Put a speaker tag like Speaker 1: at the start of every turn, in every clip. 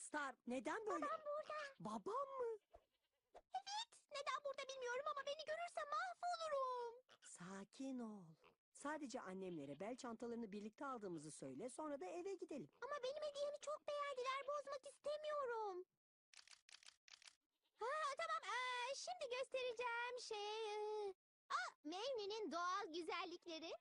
Speaker 1: Star, neden böyle?
Speaker 2: Babam burada.
Speaker 1: Babam mı?
Speaker 2: Evet. Neden burada bilmiyorum ama beni görürse mahvolurum.
Speaker 1: Sakin ol. Sadece annemlere bel çantalarını birlikte aldığımızı söyle, sonra da eve gidelim.
Speaker 2: Ama benim hediyemi çok beğendiler. Bozmak istemiyorum. Ha, tamam. Şimdi göstereceğim şey... Mevni'nin doğal güzellikleri.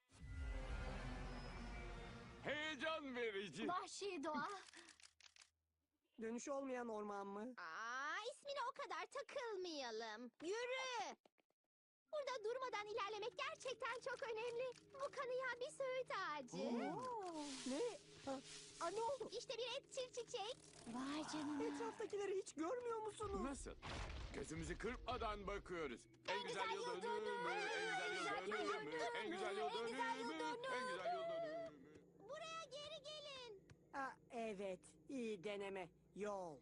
Speaker 3: Heyecan verici.
Speaker 2: Vahşi doğa.
Speaker 1: Dönüşü olmayan orman mı?
Speaker 2: İsmine o kadar takılmayalım. Yürü. Burada durmadan ilerlemek gerçekten çok önemli. Bu kanayan bir söğüt ağacı.
Speaker 1: Ne? Ne oldu?
Speaker 2: İşte bir etçil çiçek. Vay canına.
Speaker 1: Etraftakileri hiç görmüyor musunuz?
Speaker 3: Nasıl? Gözümüzü kırpmadan bakıyoruz. En güzel yıl
Speaker 2: yıl
Speaker 3: dönümü,
Speaker 2: dönümü,
Speaker 3: en güzel yıl dönümü, en güzel yıl
Speaker 2: en güzel yıl
Speaker 3: dönümü, en güzel yıl dönümü.
Speaker 2: Buraya geri gelin.
Speaker 1: Evet, iyi deneme. Yol.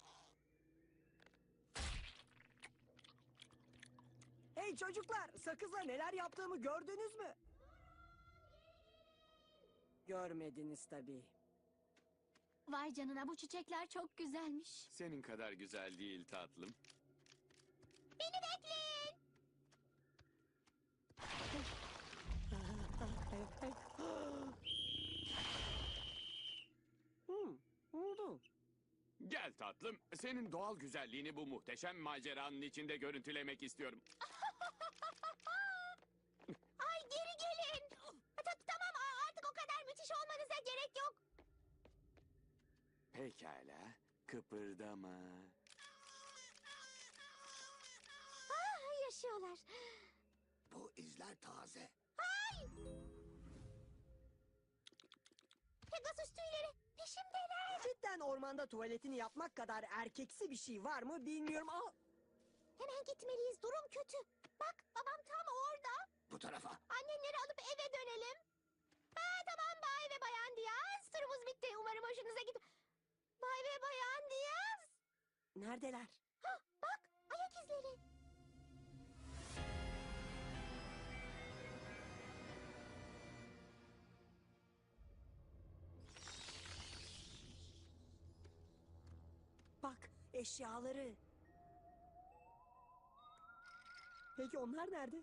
Speaker 1: Hey çocuklar, sakızla neler yaptığımı gördünüz mü? Görmediniz tabii.
Speaker 2: Vay canına, bu çiçekler çok güzelmiş.
Speaker 3: Senin kadar güzel değil tatlım.
Speaker 2: Beni bekleyin.
Speaker 1: Oldu.
Speaker 3: Gel tatlım, senin doğal güzelliğini bu muhteşem maceranın içinde görüntülemek istiyorum.
Speaker 2: Ay geri gelin. Tamam, artık o kadar müthiş olmanıza gerek yok.
Speaker 3: Pekala, kıpırdama.
Speaker 2: Yaşıyorlar.
Speaker 4: Bu izler taze.
Speaker 2: Pegasus tüyleri peşimdeler.
Speaker 1: Cidden ormanda tuvaletini yapmak kadar erkeksi bir şey var mı bilmiyorum.
Speaker 2: Hemen gitmeliyiz, durum kötü. Bak, babam tam orada.
Speaker 4: Bu tarafa.
Speaker 2: Annenleri alıp eve dönelim. Tamam Bay ve Bayan Diaz. Turumuz bitti. Umarım hoşunuza gitti. Bay ve Bayan Diaz.
Speaker 1: Neredeler?
Speaker 2: Bak, ayak izleri.
Speaker 1: Bak, eşyaları. Peki onlar nerede?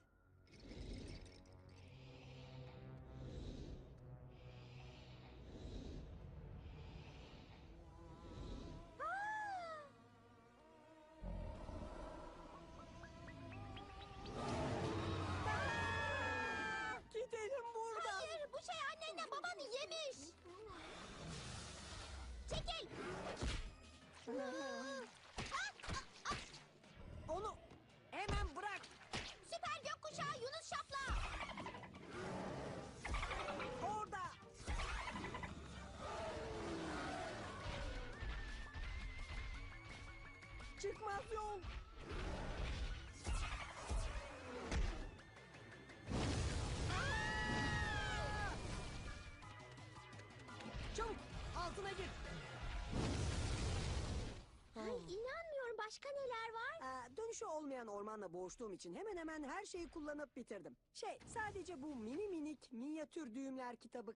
Speaker 1: Gidelim buradan.
Speaker 2: Hayır, bu şey annenle babanı yemiş. Çekil.
Speaker 1: Onu hemen bırak.
Speaker 2: Süper gökkuşağı Yunus Şafla.
Speaker 1: Orada. Çıkmaz yol. Çabuk altına gir.
Speaker 2: Ay, inanmıyorum, başka neler var?
Speaker 1: Dönüşü olmayan ormanla boğuştuğum için hemen hemen her şeyi kullanıp bitirdim. Sadece bu mini minik minyatür düğümler kitabı